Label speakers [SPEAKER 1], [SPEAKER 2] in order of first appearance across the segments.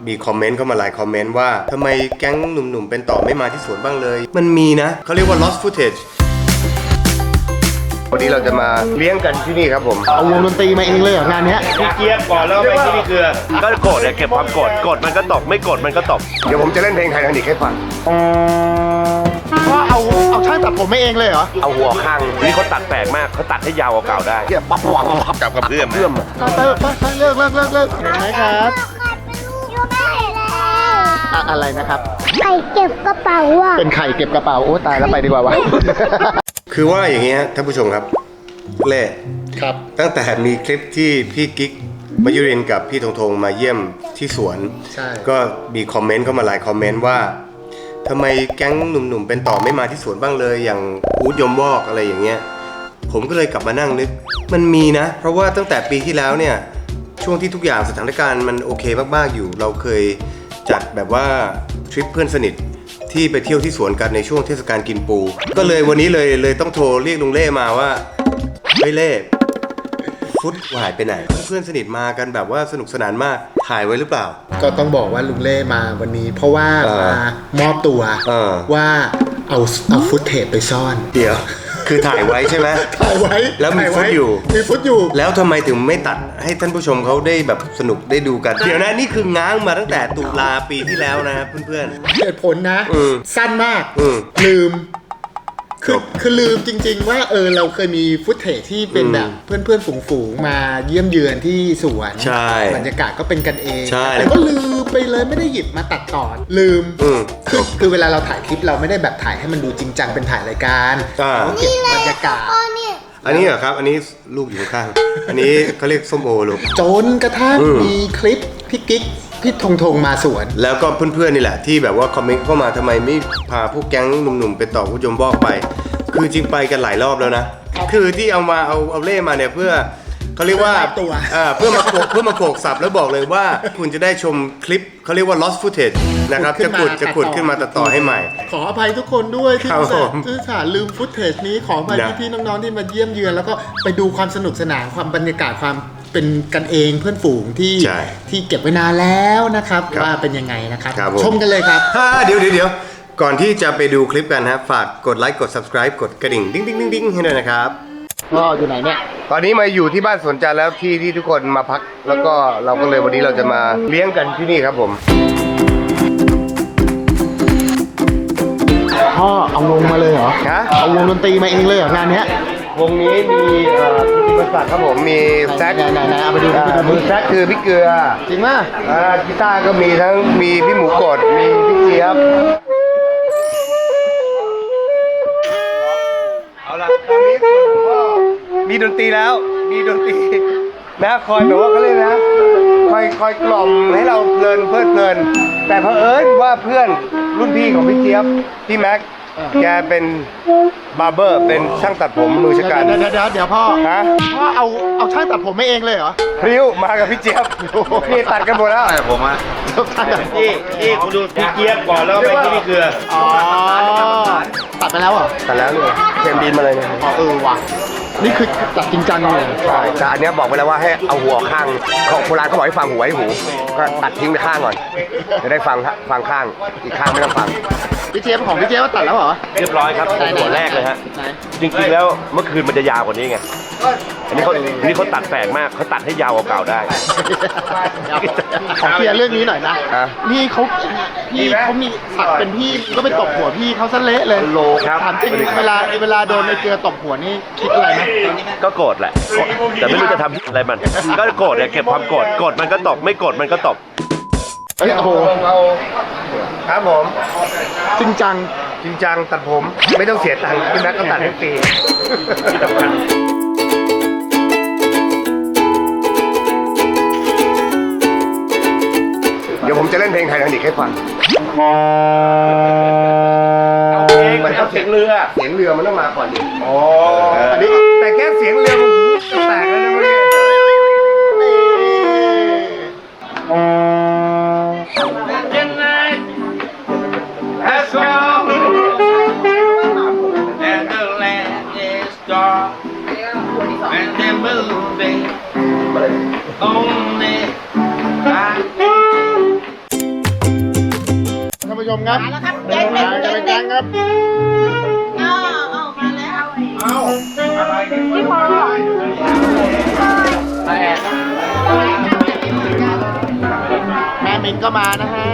[SPEAKER 1] มีคอมเมนต์เข้ามาหลายคอมเมนต์ว่าทำไมแก๊งหนุ่มๆเป็นต่อไม่มาที่สวนบ้างเลยมันมีนะเขาเรียกว่า lost footage วันนี้เราจะมาเลี้ยงกันที่นี่ครับผม
[SPEAKER 2] เอาวงดนตรีมาเองเลยเหรองานเนี้ย
[SPEAKER 3] พี่เกียบก่อนแล้วไปที่นี่คือก็โกรธเนี่ยเก็บความโกรธกดมันก็ตกไม่กดมันก็ตก
[SPEAKER 1] เดี๋ยวผมจะเล่นเพลงไททานิคให้ฟัง
[SPEAKER 2] ว่าเอาช่างตัดผมมาเองเลยเหรอ
[SPEAKER 3] เอาหัวข้างนี่เขาตัดแปลกมากเขาตัดให้ยาวกว่าเก่าได้
[SPEAKER 1] เกียบปั๊บปั๊บจับกับเพื่อน
[SPEAKER 2] เลิกเห็นไหมครับอะไรนะครับ
[SPEAKER 4] ไข่เก็บกระเป๋าอ่ะ
[SPEAKER 2] เป็นไข่เก็บกระเป๋าโอ้ตายแล้วไปดีกว่าวะ
[SPEAKER 1] คือว่าอย่างนี้ฮะท่านผู้ชมครับเล่
[SPEAKER 2] ครับ
[SPEAKER 1] ตั้งแต่มีคลิปที่พี่กิ๊กมายุรินกับพี่ธงธงมาเยี่ยมที่สวนก็มีคอมเมนต์เข้ามาหลายคอมเมนต์ว่าทำไมแก๊งหนุ่มๆเป็นต่อไม่มาที่สวนบ้างเลยอย่างอู๊ดยมวอกอะไรอย่างเงี้ยผมก็เลยกลับมานั่งนึกมันมีนะเพราะว่าตั้งแต่ปีที่แล้วเนี่ยช่วงที่ทุกอย่างสถานการณ์มันโอเคมากๆอยู่เราเคยจัดแบบว่าทริปเพื่อนสนิทที่ไปเที่ยวที่สวนกันในช่วงเทศกาลกินปูก็เลยวันนี้เลยต้องโทรเรียกลุงเล่มาว่าเฮ้ยเล่ฟุตหายไปไหนเพื่อนสนิทมากันแบบว่าสนุกสนานมากถ่ายไว้หรือเปล่า
[SPEAKER 2] ก็ต้องบอกว่าลุงเล่มาวันนี้เพราะว่ามามอบตัวว่าเอาฟุตเทปไปซ่อน
[SPEAKER 1] เดี๋ยวคือถ่ายไว้ใช่ไหม
[SPEAKER 2] ถ่ายไว้
[SPEAKER 1] แล้วมีฟุตอยู่แล้วทำไมถึงไม่ตัดให้ท่านผู้ชมเขาได้แบบสนุกได้ดูกันเดี๋ยวนะนี่คือง้างมาตั้งแต่ตุลาปีที่แล้วนะเพื่อน
[SPEAKER 2] ๆเหตุผลนะสั้นมากลืมคือลืมจริงๆว่าเราเคยมีฟุตเทจที่เป็นแบบเพื่อนๆฝูงๆมาเยี่ยมเยือนที่สวนบรรยากาศก็เป็นกันเองแต่ก็ลืมไปเลยไม่ได้หยิบมาตัดต่อลืมคือเวลาเราถ่ายคลิปเราไม่ได้แบบถ่ายให้มันดูจริงจังเป็นถ่ายรายการเราเก็บบรรยากาศ
[SPEAKER 1] อันนี้เหรอครับอันนี้ลูกอยู่ข้างอันนี้เขาเรียกส้มโอลูก
[SPEAKER 2] จนกระทั่งมีคลิปพี่กิ๊กพี่ธงมาสวน
[SPEAKER 1] แล้วก็เพื่อนๆนี่แหละที่แบบว่าคอมเมนต์เข้ามาทำไมไม่พาพวกแก๊งหนุ่มๆไปต่อผู้ยมบอกไปคือจริงไปกันหลายรอบแล้วนะคือที่เอาเล่มาเนี่ยเพื่อเขาเรียกว่าเพื่อมาโขกสับแล้วบอกเลยว่าคุณจะได้ชมคลิปเขาเรียกว่า lost footage นะครับจะขุดขึ้นมาตัดต่อให้ใหม่
[SPEAKER 2] ขออภัยทุกคนด้วยที่ลืมฟุตเทจนี้ขออภัยพี่ๆน้องๆที่มาเยี่ยมเยือนแล้วก็ไปดูความสนุกสนานความบรรยากาศความเป็นกันเองเพื่อนฝูงที่เก็บไว้นานแล้วนะครับว่าเป็นยังไงนะครับชมกันเลยครับ
[SPEAKER 1] เดี๋ยวก่อนที่จะไปดูคลิปกันนะฝากกดไลค์กด subscribe กดกระดิ่งดิ้งให้ด้วยนะครับ
[SPEAKER 2] ก็อยู่ไหนเนี่ย
[SPEAKER 1] ตอนนี้มาอยู่ที่บ้านสวนจันทร์แล้วที่ทุกคนมาพักแล้วก็เราก็เลยวันนี้เราจะมาเลี้ยงกันที่นี่ครับผม
[SPEAKER 2] พ่อเอาวงมาเลยเหรอเอาวงดนตรีมาเองเลยเหรองานเนี้ยว
[SPEAKER 1] งนี้มีกิติศักดิ์ครับผมมีแซค
[SPEAKER 2] ไหนเอาไปดู
[SPEAKER 1] มือแซคคือพี่เกลือ
[SPEAKER 2] จริงป่ะ
[SPEAKER 1] กีตาร์ก็มีทั้งมีพี่หมูกดมีพี่เจี๊ยบเอาล่ะตอนนี้มีดนตรีแล้วมีดนตรีนะคอยแบบว่าเขาเรียกนะคอยกล่อมให้เราเพลินเพลินแต่เผอิญว่าเพื่อนรุ่นพี่ของพี่เจี๊ยบพี่แม็กแกเป็นบาร์เบอร์เป็นช่างตัดผมมือชะกัน
[SPEAKER 2] เดี๋ยวพ่อเอาช่างตัดผมไม่เองเลยเหรอ
[SPEAKER 1] พริ้วมากับพี่เจี๊ยบนี่ตัดกันหมดแล้ว
[SPEAKER 3] ผมอ่ะที่คุณดูพี่เจี๊ยบก่อนแล้วไปที่นี่คือ
[SPEAKER 2] ตัดไปแล้วเหรอ
[SPEAKER 1] ตัดแล้วเนี่ยเทมบินมาเลยเนี่ย
[SPEAKER 2] ว่ะนี่คือตัดจริงจังเลย
[SPEAKER 1] ใช่แต่อันนี้บอกไปแล้วว่าให้เอาหัวข้างของโบราณเขาบอกให้ฟังหัวให้หูก็ตัดทิ้งไปข้างก่อนจะได้ฟังข้างอีกข้างไม่ต้องฟัง
[SPEAKER 2] พี่เจี๊ยบของพี่เจี๊ยบตัดแล้วเหรอ
[SPEAKER 3] เรียบร้อยครับหัวแรกเลยฮะจริงๆแล้วเมื่อคืนมันจะยาวกว่านี้ไงอันนี้เขาตัดแปลกมากเขาตัดให้ยาวกว่าเก่าได้
[SPEAKER 2] ขอเคลียร์เรื่องนี้หน่อยนะนี่เขามีสักเป็นพี่ก็ไปตบหัวพี่เขาซะเละเลย
[SPEAKER 3] โลครับ
[SPEAKER 2] ถามจริงเวลาโดนในเกลือตบหัวนี่คิดอะไรนะ
[SPEAKER 3] ก็โกรธแหละแต่ไม่รู้จะทำอะไรมันก็โกรธเนี่ยเก็บความโกรธกดมันก็ตบไม่โกรธมันก็ตบ
[SPEAKER 2] โอ้โห
[SPEAKER 1] ครับผม
[SPEAKER 2] จริง
[SPEAKER 1] จังตัดผมไม่ต้องเสียตังค์พี่แม็กก็ตัดให้ฟรีเดี๋ยวผมจะเล่นเพลงไททานิคให้ฟัง
[SPEAKER 3] มันเอาเสียงเรือ
[SPEAKER 1] มันต้องมาก่อนดิ
[SPEAKER 3] อันนี้
[SPEAKER 1] แต่แค่เสียงเรือมันหูแตกแล้วนะเมื่อกี้
[SPEAKER 2] มครับ
[SPEAKER 5] มาแล้วครับแก๊งหนึ่ง
[SPEAKER 2] จะเป็นแก๊งครับ
[SPEAKER 5] เอามาแล้ว
[SPEAKER 2] แม่มินก็มานะฮะ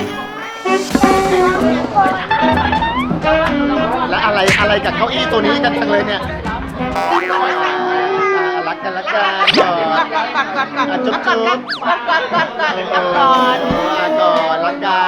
[SPEAKER 2] และอะไรกับเก้าอี้ตัวนี้กันจังเลยเนี่ยรักกันก่อนจุ๊บจุ๊บก่อนรักกัน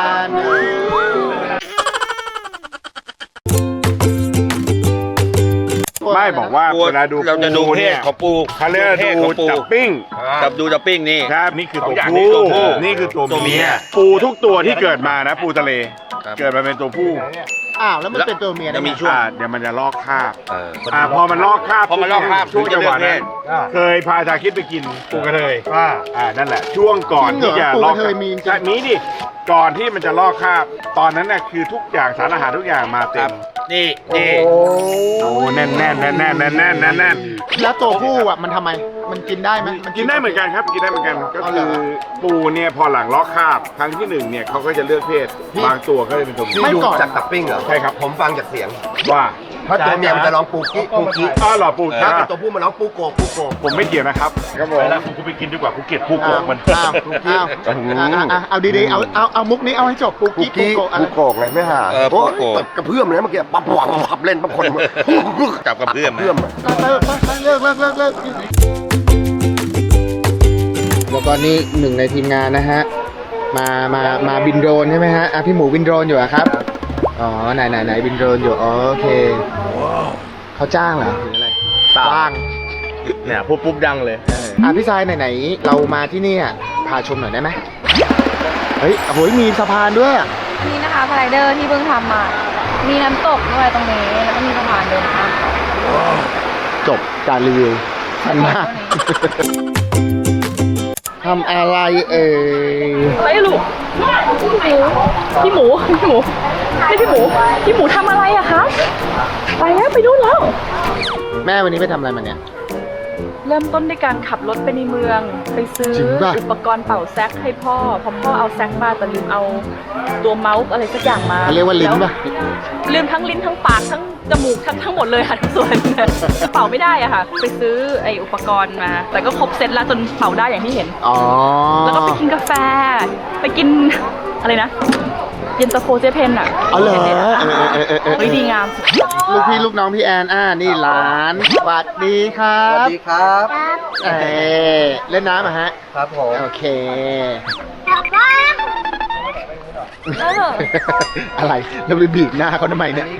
[SPEAKER 6] ไม่บอกว่าเวลาดู
[SPEAKER 7] เราจะดูเพศ
[SPEAKER 6] เนี่ย
[SPEAKER 7] ของปู
[SPEAKER 6] เขาเรียกว่าดูจับปิ้ง
[SPEAKER 7] กับดูจับปิ้งนี่
[SPEAKER 6] ครับนี่คือตัว
[SPEAKER 7] สองอย่าง
[SPEAKER 6] ผู้
[SPEAKER 7] นี้ตัวผู้
[SPEAKER 6] นี่คือตัว
[SPEAKER 7] ตัวเมี
[SPEAKER 6] เมีย
[SPEAKER 7] ย
[SPEAKER 6] ปูทุกตัวที่เกิดมานะปูทะเล
[SPEAKER 7] ครับ
[SPEAKER 6] เกิดมาเป็นตัวผู้
[SPEAKER 2] อ้าวแล้วมันเป็นตัวเมียได้
[SPEAKER 7] จะ
[SPEAKER 2] ไง
[SPEAKER 7] มีช่วง
[SPEAKER 6] เดี๋ยวมันจะลอกคราบ
[SPEAKER 7] เออ
[SPEAKER 6] พอมันลอกคราบ
[SPEAKER 7] พอมันลอกคราบ
[SPEAKER 6] ช่วงจังหวะนั้น
[SPEAKER 7] ถึงจะเลือกเพศ
[SPEAKER 6] เคยพาชาคิดไปกินปูกระเทยนั่นแหละ ช่วงก่อนที่จะลอก
[SPEAKER 2] ปูกระเทยมีจริง
[SPEAKER 6] ใช่มีดิก่อนที่มันจะลอกคราบ ตอนนั้นน่ะคือทุกอย่างสารอาหารทุกอย่างมาเต็ม
[SPEAKER 7] นี่
[SPEAKER 6] โอ้แน่นๆ
[SPEAKER 2] แล้วตัวผู้อ่ะมันทำไมมันกินได้ไหม
[SPEAKER 6] กินได้เหมือนกันครับกินได้เหมือนกันก็
[SPEAKER 2] อ๋อเหร
[SPEAKER 6] คือ อปูเนี่ยพอหลังลอกคราบครั้งที่หนึ่งเนี่ยเขาก็จะเลือกเพศบางตัวก็จะเป็นตัวเมีย
[SPEAKER 2] ไม่ก่อน
[SPEAKER 1] จากตับปิ้งเหรอ
[SPEAKER 6] ใช่ครับ
[SPEAKER 1] ผมฟังจากเสียง
[SPEAKER 6] ว่า
[SPEAKER 1] เพราะตัวเมียมันจะร้องปูกี้ปูกี้
[SPEAKER 6] อ้าวเหรอปู
[SPEAKER 1] ถ้า
[SPEAKER 6] ถ้า
[SPEAKER 1] เป็นตัวผู้มันร้องปูโกปูโก
[SPEAKER 6] ผมไม่เกี่ยวนะครับครับผม
[SPEAKER 3] เวลากูไปกินดีกว่ากูเกลียดผู้โกงมัน
[SPEAKER 2] เอาดีๆเอามุกนี้เอาให้จบปู
[SPEAKER 1] ปู
[SPEAKER 2] กี้ปู
[SPEAKER 1] กี้
[SPEAKER 2] โกะอะไร
[SPEAKER 1] ปูโกกเลยไม่หา
[SPEAKER 7] ปูโก
[SPEAKER 1] กระเพื่อมเลยเมื่อกี้ปั๊บปับเล่นปั๊บคน
[SPEAKER 7] จับกับเพื่อนไหม
[SPEAKER 1] เพื่อม
[SPEAKER 2] เลิกแล้วก็นี่หนึ่งในทีมงานนะฮะมาบินโดรนใช่ไหมฮะพี่หมูบินโดรนอยู่อะครับอ๋อไหนบินโดรนอยู่โอเคเขาจ้างเหรอหรืออะไรจ้าง
[SPEAKER 3] เนี่ยปุ๊บดังเลย
[SPEAKER 2] พี่ชายไหนๆเรามาที่นี่อะพาชมหน่อยได้ไหมเฮ้ยโอ้ยมีสะพานด้วยอะ
[SPEAKER 8] นี่นะคะสไลเดอร์ที่เพิ่งทำมา มีน้ำตกด้วยตรงนี้ แล้วก็มีสะพานเดินข้าม
[SPEAKER 2] จบการรีวิวสั้นมากทำอะไรเอ่ย
[SPEAKER 8] อะไรลูกพี่หมูนี่พี่หมูทำอะไรอะคะไปแล้วไปนู่นแล้ว
[SPEAKER 2] แม่วันนี้ไปทำอะไรมาเนี่ย
[SPEAKER 8] เริ่มต้นด้วยการขับรถไปในเมือง ไปซื้อ
[SPEAKER 2] จริงป่ะ
[SPEAKER 8] อุปกรณ์เป่าแซกให้พ่อพอพ่อเอาแซกมาแต่ลืมเอาตัวเมาส์อะไรสักอย่างมา
[SPEAKER 2] เขาเรียกว่าลิ้นป่ะ
[SPEAKER 8] ลืมทั้งลิ้นทั้งปากทั้งจมูกทั้งหมดเลยค่ะทุกส่วนเป่าไม่ได้อะค่ะ ไปซื้อไออุปกรณ์มา แต่ก็ครบเซตแล้วจนเป่าได้อย่างที่เห็น
[SPEAKER 2] อ๋อ
[SPEAKER 8] แล้วก็ไปกินกาแฟ ไปกินอะไรนะ เย็นตาโฟเจเพนอ่ะ
[SPEAKER 2] เอาเหรอ
[SPEAKER 8] เฮ้ยดีงาม
[SPEAKER 2] ลูกพี่ลูกน้องพี่แอนนี่หลานสวัสดีครับ
[SPEAKER 1] สวัสดีครับ
[SPEAKER 2] เอ่เล่นน้ำอะฮะ
[SPEAKER 1] ครับผม
[SPEAKER 2] โอเค
[SPEAKER 8] เออ
[SPEAKER 2] อะไรเราไปบีบหน้าเขาทำไมเนี่ย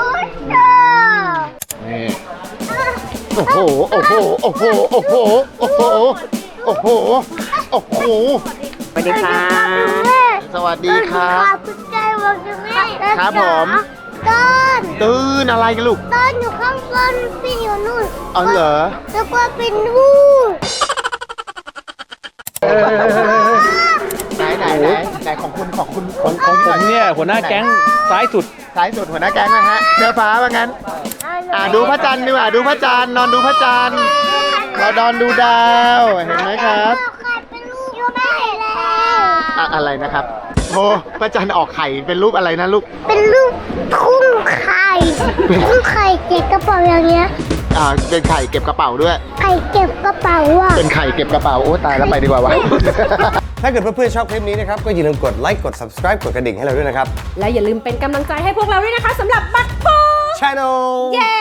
[SPEAKER 2] นี่โอ้โหโอ้โหโอ้โหโอ้โหโอ้โหโอ้โหโอ้โห
[SPEAKER 8] สวัสดีค่ะ
[SPEAKER 2] สวัสดีครับ
[SPEAKER 4] คุณใจบอกตรงนี้
[SPEAKER 2] ครับผม
[SPEAKER 4] ต้น
[SPEAKER 2] ตื่นอะไรกันลูก
[SPEAKER 4] ต้นอยู่ข้างบนพี่อยู่นู่น
[SPEAKER 2] อ๋อเหรอ
[SPEAKER 4] แล้วก็เป็นนู่น
[SPEAKER 2] ไหนของคุณของผม
[SPEAKER 3] เนี่ยหัวหน้าแก๊งซ้ายสุด
[SPEAKER 2] ซ้ายสุดหัวหน้าแก๊งนะฮะเสื้อฟ้าว่างั้น ดูพระจันทร์ดีกว่าดูพระจันทร์นอนดูพระจันทร์เรานอนดูดาวเห็นไหมครับ
[SPEAKER 4] ใครเป็นลูกอยู่ได้แล้ว
[SPEAKER 2] อะไรนะครับโอ้พระจันทร์ออกไข่เป็นรูปอะไรนะลูก
[SPEAKER 4] เป็นลูกทุ่งไข่ทุ่งไข่เก็บกระเป๋าอย่างเงี้ย
[SPEAKER 2] เป็นไข่เก็บกระเป๋าด้วย
[SPEAKER 4] ไข่เก็บกระเป๋าอ่ะ
[SPEAKER 2] เป็นไข่เก็บกระเป๋าโอ้ตายแล้วไปดีกว่าวะ
[SPEAKER 1] ถ้าเกิดเพื่อนๆชอบคลิปนี้นะครับ ก็อย่าลืมกดไลค์ กด subscribe กดกระดิ่งให้เราด้วยนะครับ
[SPEAKER 9] และอย่าลืมเป็นกำลังใจให้พวกเราด้วยนะคะสำหรับบัตรโพ
[SPEAKER 1] Channel
[SPEAKER 9] เย้